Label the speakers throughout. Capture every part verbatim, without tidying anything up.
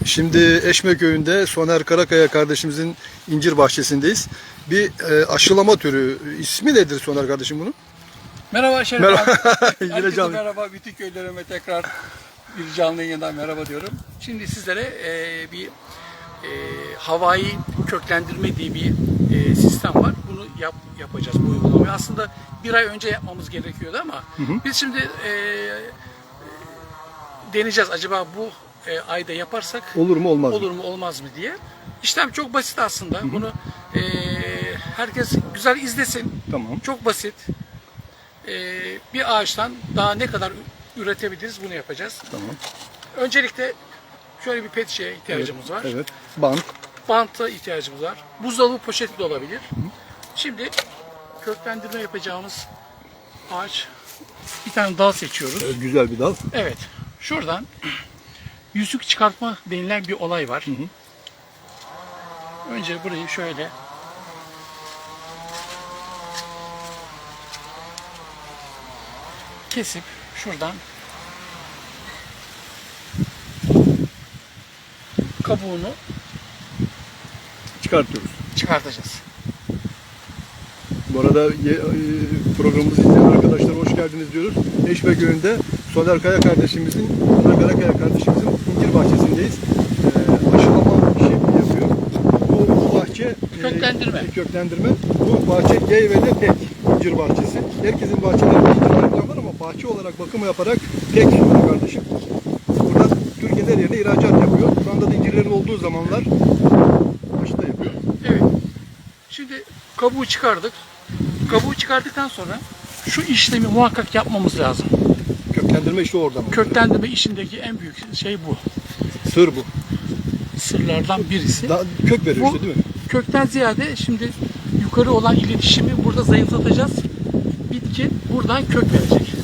Speaker 1: Şimdi Eşme Köyü'nde Soner Karakaya kardeşimizin incir bahçesindeyiz. Bir e, aşılama türü. İsmi nedir Soner kardeşim bunun?
Speaker 2: Merhaba Şeref
Speaker 1: Merhaba.
Speaker 2: abi.
Speaker 1: Yine
Speaker 2: Herkese
Speaker 1: canlı.
Speaker 2: merhaba. Bütün köylerime tekrar bir canlı yayından merhaba diyorum. Şimdi sizlere e, bir e, havai köklendirme diye bir e, sistem var. Bunu yap, yapacağız bu uygulamayı. Aslında bir ay önce yapmamız gerekiyordu ama
Speaker 1: Hı hı.
Speaker 2: biz şimdi e, deneyeceğiz. Acaba bu e, ayda yaparsak
Speaker 1: Olur mu olmaz mı?
Speaker 2: olur mu olmaz mı diye. İşlem çok basit aslında. Hı hı. Bunu e, herkes güzel izlesin.
Speaker 1: Tamam.
Speaker 2: Çok basit. Ee, bir ağaçtan daha ne kadar üretebiliriz bunu yapacağız.
Speaker 1: Tamam.
Speaker 2: Öncelikle şöyle bir pet şişeye ihtiyacımız var.
Speaker 1: Evet. Bant.
Speaker 2: Banta ihtiyacımız var. Buzdolabı poşeti de olabilir. Hı. Şimdi köklendirme yapacağımız ağaç, bir tane dal seçiyoruz.
Speaker 1: Evet, güzel bir dal.
Speaker 2: Evet. Şuradan yüzük çıkartma denilen bir olay var. Hı hı. Önce burayı şöyle kesip şuradan kabuğunu
Speaker 1: Çıkartıyoruz.
Speaker 2: çıkartacağız.
Speaker 1: Bu arada ye- e, programımızı izleyen arkadaşlar hoş geldiniz diyoruz. Eşme Köyü'nde Soner Kaya kardeşimizin, Soner Karakaya kardeşimizin incir bahçesindeyiz. Ee, aşılama işi yapıyor. Bu, bu bahçe e,
Speaker 2: Köklendirme.
Speaker 1: köklendirme. Bu bahçe Geyve'de tek incir bahçesi. Herkesin bahçelerinde incir ağaçları var ama bahçe olarak bakımı yaparak tek Soner kardeşim. Buradan Türkiye'nin her yerine ihracat yapıyor. Şu anda da incirlerin olduğu zamanlar aşı da yapıyor.
Speaker 2: Evet. Şimdi kabuğu çıkardık. Kabuğu çıkardıktan sonra şu işlemi muhakkak yapmamız lazım.
Speaker 1: Köklendirme işi orada mı?
Speaker 2: Köklendirme işindeki en büyük şey bu.
Speaker 1: Sır bu.
Speaker 2: Sırlardan birisi.
Speaker 1: Daha kök veriyor
Speaker 2: Bu
Speaker 1: işte değil mi?
Speaker 2: kökten ziyade şimdi yukarı olan iletişimi burada zayıflatacağız. Bitki buradan kök verecek.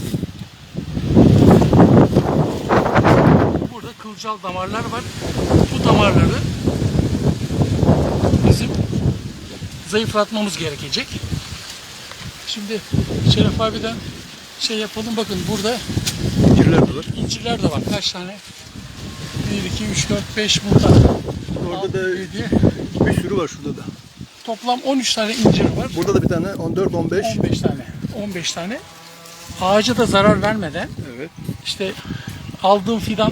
Speaker 2: Burada kılcal damarlar var. Bu damarları bizim zayıflatmamız gerekecek. Şimdi Şeref abiden şey yapalım. Bakın burada
Speaker 1: İncirler de var.
Speaker 2: incirler de var. Kaç tane? bir, iki, üç, dört, beş burada.
Speaker 1: Orada da
Speaker 2: yedi.
Speaker 1: bir sürü var şurada da.
Speaker 2: Toplam on üç tane incir var.
Speaker 1: Burada da bir tane on dört on beş.
Speaker 2: on beş tane. on beş tane. Ağaca da zarar vermeden
Speaker 1: Evet.
Speaker 2: işte aldığım fidan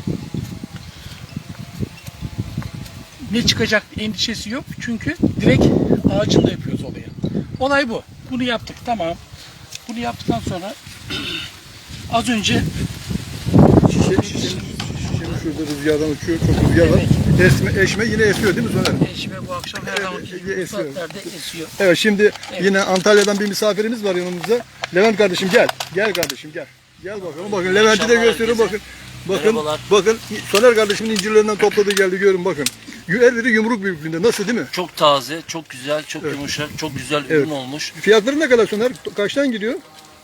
Speaker 2: ne çıkacak endişesi yok. Çünkü direkt ağacında yapıyoruz olayı. Olay bu. Bunu yaptık. Tamam. Bunu yaptıktan sonra az önce
Speaker 1: Şişe, şişenin, şişenin şurada rüzgardan uçuyor. Çok rüzgar var. Esme, eşme yine esiyor değil mi Soner?
Speaker 2: eşime bu akşam her zaman
Speaker 1: e-
Speaker 2: bu
Speaker 1: esiyor.
Speaker 2: saatlerde esiyor.
Speaker 1: Evet şimdi
Speaker 2: Evet.
Speaker 1: yine Antalya'dan bir misafirimiz var yanımızda. Levent kardeşim gel. Gel kardeşim gel. Gel bakalım. Bakın Levent'i de
Speaker 3: akşamlar
Speaker 1: gösteriyorum bakın.
Speaker 3: herkese.
Speaker 1: Bakın,
Speaker 3: Merhabalar.
Speaker 1: bakın Soner kardeşimin incirlerinden topladı geldi görün bakın. Her biri yumruk büyüklüğünde. Nasıl değil mi?
Speaker 3: Çok taze, çok güzel, çok
Speaker 1: Evet.
Speaker 3: yumuşak, çok güzel
Speaker 1: Evet.
Speaker 3: ürün olmuş.
Speaker 1: Fiyatları ne kadar Soner? Kaçtan gidiyor?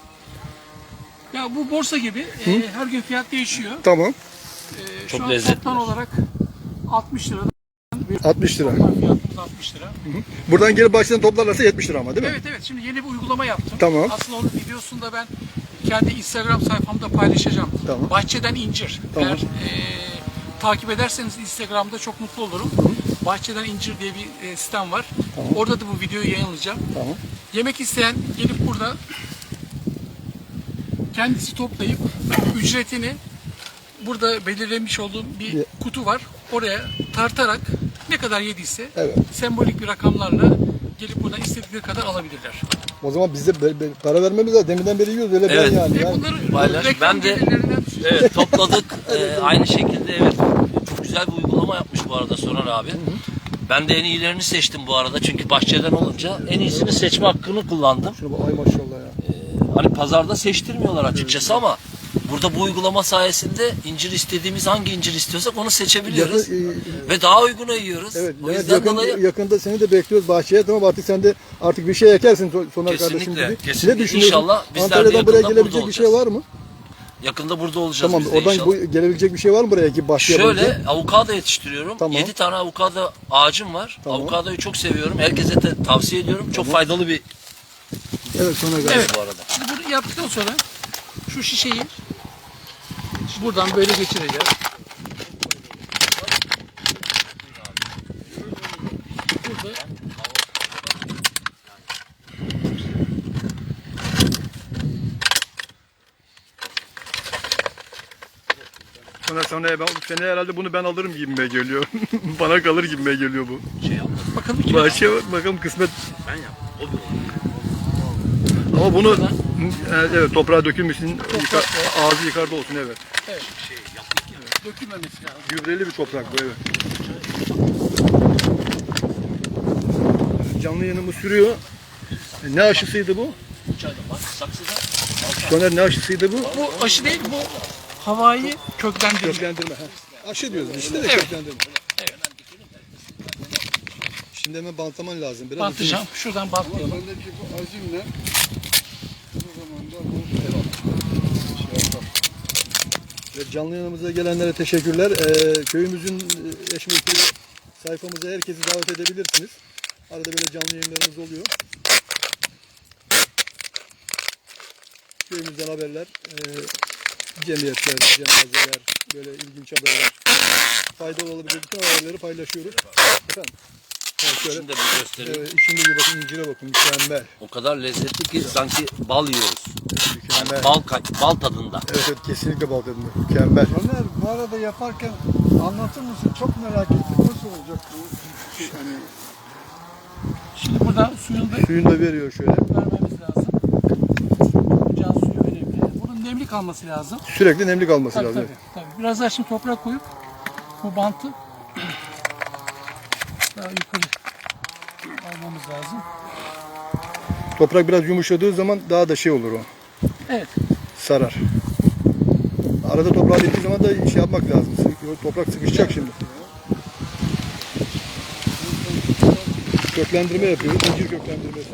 Speaker 2: Ya bu borsa gibi e, her gün fiyat değişiyor.
Speaker 1: Tamam.
Speaker 2: E,
Speaker 3: Çok
Speaker 2: şu an
Speaker 3: lezzetli.
Speaker 2: toptan olarak altmış lira.
Speaker 1: altmış lira.
Speaker 2: Toplam fiyatımız altmış lira.
Speaker 1: Buradan gelip bahçeden toplarlarsa yetmiş lira ama değil mi?
Speaker 2: Evet evet, şimdi yeni bir uygulama yaptım.
Speaker 1: Tamam.
Speaker 2: Aslında onun videosunu da ben kendi Instagram sayfamda paylaşacağım.
Speaker 1: Tamam.
Speaker 2: Bahçeden incir.
Speaker 1: Tamam.
Speaker 2: Eğer e, takip ederseniz Instagram'da çok mutlu olurum. Bahçeden incir diye bir e, sitem var.
Speaker 1: Tamam.
Speaker 2: Orada da bu videoyu yayınlayacağım.
Speaker 1: Tamam.
Speaker 2: Yemek isteyen gelip burada kendisi toplayıp ücretini burada belirlemiş olduğum bir
Speaker 1: Ye-
Speaker 2: kutu var. Oraya tartarak ne kadar yediyse
Speaker 1: Evet.
Speaker 2: sembolik bir rakamlarla gelip buradan istedikleri kadar alabilirler.
Speaker 1: O zaman biz de be- be- para vermemiz lazım. Deminden beri yiyoruz öyle
Speaker 3: Evet.
Speaker 1: ben yani.
Speaker 2: Ve
Speaker 1: yani.
Speaker 2: bunları
Speaker 3: Paylaş.
Speaker 2: reklam
Speaker 3: Ben de-
Speaker 2: gelirlerinden
Speaker 3: Evet, topladık. Ee, aynı şekilde evet. Çok güzel bir uygulama yapmış bu arada Soner abi. Ben de en iyilerini seçtim bu arada. Çünkü bahçeden olunca en iyisini seçme hakkını kullandım.
Speaker 1: Şuna bak ay maşallah ya.
Speaker 3: Hani pazarda seçtirmiyorlar açıkçası ama burada bu uygulama sayesinde incir istediğimiz hangi incir istiyorsak onu seçebiliyoruz.
Speaker 1: Yakın-
Speaker 3: Ve daha uyguna yiyoruz.
Speaker 1: Evet,
Speaker 3: O
Speaker 1: Levent,
Speaker 3: yüzden
Speaker 1: yakın,
Speaker 3: dolayı
Speaker 1: yakında seni de bekliyoruz bahçeye. Tamam artık sen de artık bir şey ekersin So- Soner kardeşim
Speaker 3: Kesinlikle,
Speaker 1: gibi.
Speaker 3: kesinlikle.
Speaker 1: Ne düşünüyorsun?
Speaker 3: İnşallah bizler de
Speaker 1: Antalya'dan buraya
Speaker 3: yakında
Speaker 1: gelebilecek
Speaker 3: burada
Speaker 1: bir şey var mı?
Speaker 3: yakında burada olacağız
Speaker 1: Tamam
Speaker 3: biz de
Speaker 1: oradan
Speaker 3: inşallah.
Speaker 1: bu, gelebilecek bir şey var mı buraya ki bahçeye
Speaker 3: Şöyle
Speaker 1: bulunca?
Speaker 3: avokado yetiştiriyorum.
Speaker 1: Tamam.
Speaker 3: yedi tane avokado ağacım var.
Speaker 1: Tamam.
Speaker 3: Avokadoyu çok seviyorum. Herkese de tavsiye ediyorum. Çok faydalı bir
Speaker 1: Evet Soner kardeşim.
Speaker 2: Evet.
Speaker 3: bu arada.
Speaker 2: Şimdi bunu yaptıktan sonra şu şişeyi buradan böyle geçireceğiz. açıldı.
Speaker 1: Sonra sonra ben, seni herhalde bunu ben alırım gibime geliyor. Bana kalır gibime geliyor bu.
Speaker 3: Şey yapma.
Speaker 2: Bakalım kim
Speaker 1: Bahçe bakalım kısmet.
Speaker 3: Ben yaptım. O bir olay.
Speaker 1: Ama bunu evet, evet toprağa dökülmüşsün. Yıka, ağzı yukarıda olsun evet.
Speaker 2: Evet.
Speaker 3: Şey yaptık ya.
Speaker 2: Dökülmemesi lazım.
Speaker 1: Gübreli bir toprak bu evet. Canlı yanımı sürüyor. E, Ne aşısıydı bu?
Speaker 3: İçeride bak saksıda.
Speaker 1: Soner ne aşısıydı bu?
Speaker 2: Bu aşı değil, bu havayı köklendirme.
Speaker 1: Köklendirme. Ha. Aşı diyoruz işte de
Speaker 2: Evet.
Speaker 1: köklendirme.
Speaker 2: Evet.
Speaker 1: Şimdi hemen bantlaman lazım. Biraz
Speaker 2: Bantlayacağım. Şuradan bantlayalım.
Speaker 4: Bendeki bu azimle bu zamanda bu şey yapalım.
Speaker 1: Evet, canlı yanımıza gelenlere teşekkürler. Ee, köyümüzün e, Eşmekli sayfamıza herkesi davet edebilirsiniz. Arada böyle canlı yayınlarımız oluyor. Köyümüzden haberler, e, cemiyetler, cenazeler, böyle ilginç haberler, faydalı olabilecek bütün haberleri paylaşıyoruz. Efendim? Evet, şöyle.
Speaker 3: Şimdi de bir göstereyim.
Speaker 1: Evet, içinde bir bakın, incire bakın, mükemmel.
Speaker 3: O kadar lezzetli ki sanki bal yiyoruz.
Speaker 1: Mükemmel.
Speaker 3: Yani bal, ka- bal tadında.
Speaker 1: Evet, evet, kesinlikle bal tadında. Mükemmel.
Speaker 4: Ömer bu arada yaparken anlatır mısın? Çok merak ettim. Nasıl olacak bu? Hani
Speaker 2: Şimdi burada suyunu da
Speaker 1: Suyunu da veriyor şöyle.
Speaker 2: vermemiz lazım. Can suyu önemli. Bunun nemli kalması lazım.
Speaker 1: Sürekli nemli kalması
Speaker 2: Tabii
Speaker 1: lazım.
Speaker 2: tabii, tabii. Biraz daha şimdi toprak koyup bu bantı daha yukarı almamız lazım.
Speaker 1: Toprak biraz yumuşadığı zaman daha da şey olur o.
Speaker 2: Evet.
Speaker 1: Sarar. Arada toprağa diktiği zaman da şey yapmak lazım. Toprak sıkışacak şimdi. Köklendirme yapıyoruz. İncir köklendirmesi.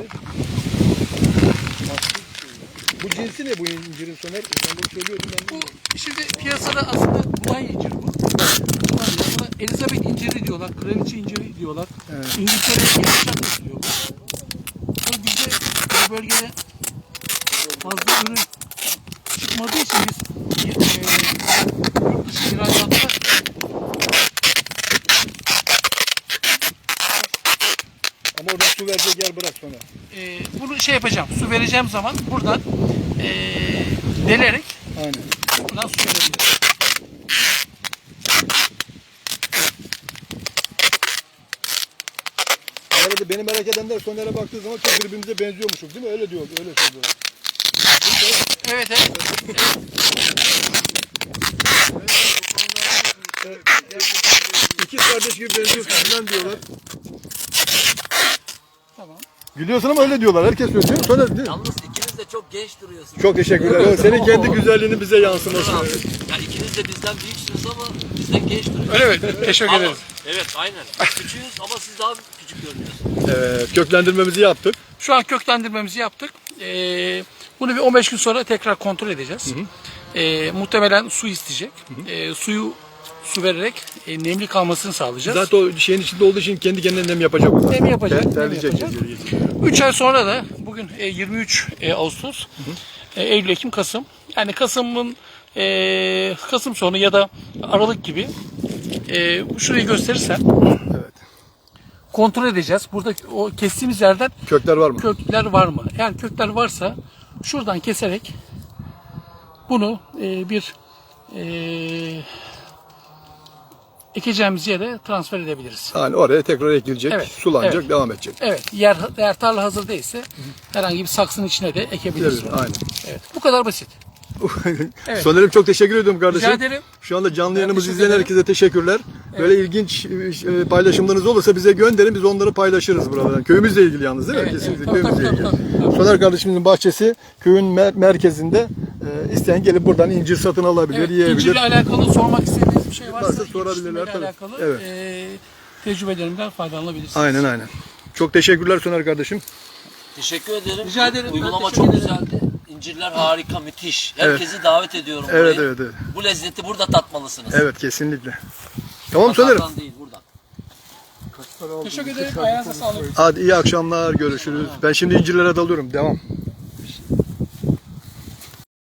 Speaker 1: Bu cinsi ne bu incirin Soner? Ben bunu söylüyordum. Ben
Speaker 2: Bu şimdi piyasada aslında buğday inciri bu. Buğday inciri. Buna Elizabeth inciri diyorlar, kraliçe inciri diyorlar.
Speaker 1: Evet.
Speaker 2: İngiltere'ye yetişen üretiliyor bu. Ama bizde bu bölgede fazla ürün çıkmadığı için biz e, yurt dışı ihracatta
Speaker 1: Ama orada su verecek yer bırak sonra.
Speaker 2: e, bunu şey yapacağım, su vereceğim zaman buradan e, delerek
Speaker 1: Aynen.
Speaker 2: buradan su verebilirim.
Speaker 1: Bu arada beni merak edenler Soner'e baktığı zaman çok birbirimize benziyormuşuz değil mi? Öyle diyor, öyle söylüyorlar.
Speaker 2: Evet, evet.
Speaker 1: İkiz kardeş gibi benziyorsun falan diyorlar.
Speaker 2: Tamam.
Speaker 1: Gülüyorsun ama öyle diyorlar. Herkes söylüyor. Değil mi? Soner değil mi?
Speaker 3: Yalnız ikiniz de çok genç duruyorsunuz.
Speaker 1: Çok teşekkürler. O senin kendi güzelliğini bize yansıması.
Speaker 3: Yani ikiniz de bizden büyüksünüz ama bizden genç duruyorsunuz.
Speaker 2: Öyle mi? Teşekkür
Speaker 3: Ama-
Speaker 2: ederiz.
Speaker 3: Evet aynen. Küçüğüz ama siz daha küçük görünüyorsunuz.
Speaker 1: Evet, köklendirmemizi yaptık.
Speaker 2: Şu an köklendirmemizi yaptık. Ee, bunu bir on beş gün sonra tekrar kontrol edeceğiz. Ee, muhtemelen su isteyecek. Ee, suyu su vererek e, nemli kalmasını sağlayacağız.
Speaker 1: Zaten o şeyin içinde olduğu için kendi kendine nem yapacak o.
Speaker 2: Nem yapacak,
Speaker 1: Ter-
Speaker 2: nem
Speaker 1: Terleyecek.
Speaker 2: yapacak. üç ay sonra da bugün e, yirmi üç e, Ağustos, e, Eylül, Ekim, Kasım. Yani Kasım'ın e, Kasım sonu ya da Aralık gibi e, şurayı gösterirsem
Speaker 1: Evet.
Speaker 2: kontrol edeceğiz. Burada o kestiğimiz yerden
Speaker 1: Kökler var mı?
Speaker 2: kökler var mı? Yani kökler varsa şuradan keserek bunu e, bir e, ekeceğimiz yere transfer edebiliriz.
Speaker 1: Yani oraya tekrar ekilecek,
Speaker 2: Evet,
Speaker 1: sulanacak,
Speaker 2: evet.
Speaker 1: devam edecek.
Speaker 2: Evet, yer eğer tarla hazır değilse herhangi bir saksının içine de ekebiliriz.
Speaker 1: Evet, aynen.
Speaker 2: Evet, bu kadar basit. Evet.
Speaker 1: Soner'im çok teşekkür ediyorum kardeşim.
Speaker 2: Rica ederim.
Speaker 1: Şu anda canlı
Speaker 2: Ben
Speaker 1: yayınımızı
Speaker 2: teşekkür
Speaker 1: izleyen
Speaker 2: ederim.
Speaker 1: herkese teşekkürler. Böyle ilginç e, paylaşımlarınız olursa bize gönderin. Biz onları paylaşırız buradan. Köyümüzle ilgili yalnız değil mi?
Speaker 2: Evet,
Speaker 1: Kesinlikle
Speaker 2: evet. Tabii,
Speaker 1: köyümüzle
Speaker 2: tabii,
Speaker 1: ilgili.
Speaker 2: tabii, tabii.
Speaker 1: Soner kardeşimizin bahçesi köyün mer- merkezinde. E, isteyen gelip buradan incir satın alabilir,
Speaker 2: Evet,
Speaker 1: yiyebilir.
Speaker 2: incirle alakalı sormak istediğiniz bir şey varsa,
Speaker 1: Varsa sorabilirler,
Speaker 2: yetiştirmeyle
Speaker 1: tabii.
Speaker 2: alakalı
Speaker 1: Evet.
Speaker 2: e, tecrübelerimden faydalanabilirsiniz.
Speaker 1: Aynen aynen. Çok teşekkürler Soner kardeşim.
Speaker 3: Teşekkür ederim.
Speaker 2: Rica ederim. Ben
Speaker 3: Uygulama
Speaker 2: teşekkür
Speaker 3: çok
Speaker 2: ederim.
Speaker 3: güzeldi. İncirler harika, müthiş. Herkesi davet ediyorum
Speaker 1: Evet
Speaker 3: buraya.
Speaker 1: evet evet.
Speaker 3: Bu lezzeti burada tatmalısınız.
Speaker 1: Evet kesinlikle. Tamam Soner'im.
Speaker 3: Pazardan değil buradan.
Speaker 2: Teşekkür ederim. Ayağınıza sağlık.
Speaker 1: Hadi iyi akşamlar, görüşürüz. Ben şimdi incirlere dalıyorum. Devam.